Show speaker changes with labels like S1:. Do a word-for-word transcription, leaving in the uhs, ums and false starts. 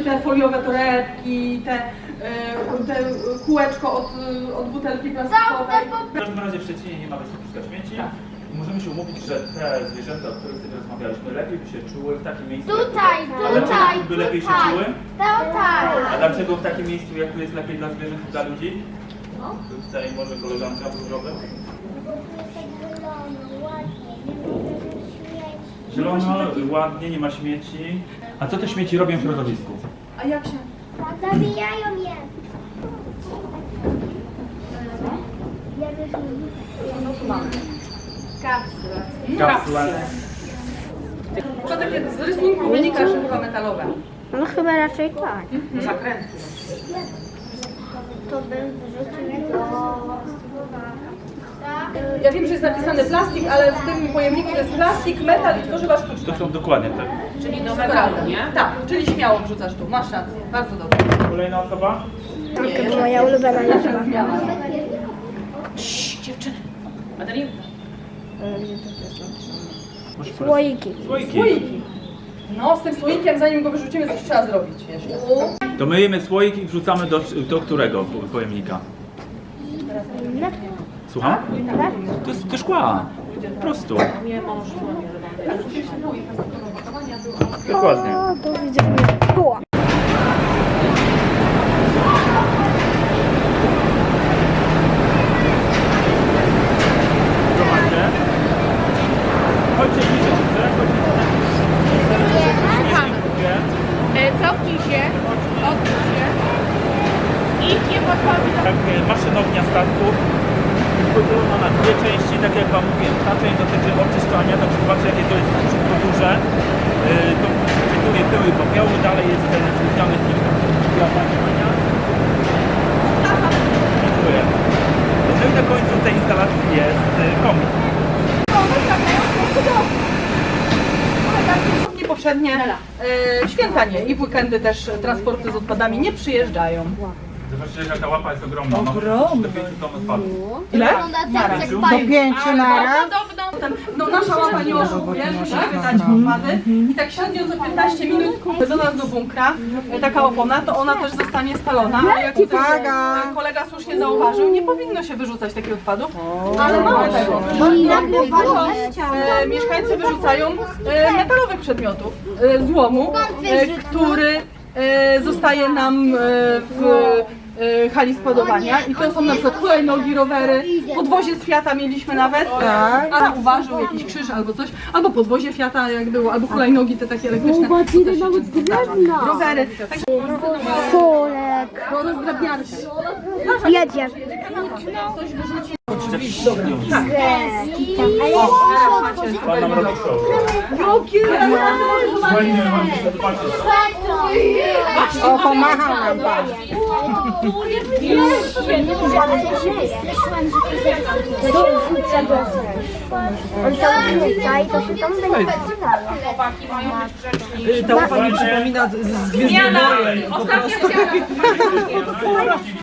S1: te foliowe torebki, te, te kółeczko od, od butelki plastikowej.
S2: W każdym razie w Szczecinie nie ma wysypiska śmieci.
S1: Tak.
S2: Możemy się umówić, że te zwierzęta, o których sobie rozmawialiśmy, lepiej by się czuły w takim miejscu.
S3: Tutaj,
S2: A dlaczego
S3: tutaj,
S2: by lepiej się
S3: tutaj.
S2: czuły?
S3: Tutaj.
S2: A dlaczego w takim miejscu, jak tu jest lepiej dla zwierząt i dla ludzi? Tutaj może koleżanka zdrowe. Zielono, ładnie, nie ma śmieci. A co te śmieci robią w środowisku?
S1: A jak się?
S3: Zabijają je.
S1: No tu mamy.
S2: Kapsle.
S1: To takie z rysunku wynika, że chyba metalowe.
S3: No chyba raczej tak.
S1: Zakręty.
S3: To bym wrzucił do...
S1: Ja wiem, że jest napisany plastik, ale w tym pojemniku jest plastik, metal i tworzywa sztuczne.
S2: To są dokładnie tak.
S1: Czyli do metalu, nie? Tak, czyli śmiało wrzucasz tu. Masz rację. Bardzo dobrze.
S2: Kolejna osoba?
S1: Nie,
S3: To moja ulubiona liczba.
S1: Cii, dziewczyny. Madalinka.
S3: Słoiki.
S2: Słoiki.
S1: Słoiki. No, z tym słoikiem, zanim go wyrzucimy, coś trzeba zrobić jeszcze.
S2: To myjemy słoik i wrzucamy do, do którego pojemnika? Słucham? To jest do szkła. Po prostu. Dokładnie.
S3: O, do widzenia. O.
S2: Zobaczcie. Chodźcie bliżej, chodźcie.
S4: Cofnij się, odwróć się i nie podchodzi do...
S2: Tak, maszynownia statku podzielona na dwie części, tak jak Wam mówiłem. Ta część dotyczy oczyszczania, także zobaczcie, jakie to jest wszystko duże. Yy, to przechwytuje pyły i popioły, dalej jest ten związany filtr działania. Dziękuję. No i na końcu tej instalacji jest yy, komik.
S1: Poprzednie e, święta nie i w weekendy też transporty z odpadami nie przyjeżdżają.
S2: Zobaczcie, jaka ta łapa jest ogromna.
S1: Ogromna.
S2: Do pięciu ton odpadów.
S1: Ile?
S3: Do
S1: pięciu na raz. Potem, no nasza łapa nie oszukuje, musi wydać odpady i tak średnio za piętnaście minut do nas do bunkra e, taka opona, to ona też zostanie spalona, ale jak tutaj e, kolega słusznie zauważył, nie powinno się wyrzucać takich odpadów, ale mamy tego. E, mieszkańcy wyrzucają e, metalowych przedmiotów, e, złomu, e, który e, zostaje nam e, w e, hali składowania i to są na przykład hulajnogi, rowery, podwozie z Fiata mieliśmy nawet, a uważył jakiś krzyż albo coś, albo podwozie Fiata jak było, albo hulajnogi te takie elektryczne, to też się często zdarza. Rowery, także
S3: Kulek.
S1: rozdrabniarki.
S3: Jedzie.
S1: Ktoś wyrzuci.
S3: Tak.
S2: Pan nam robi show.
S1: Jakie
S2: Fajnie, mam się zobaczyć.
S3: O, pomachał nam pan. On to wrzuca i to się tam będzie
S1: Ta łapa mi przypomina z Gwiezdnych Wojen.
S4: Ostatnia chciałam.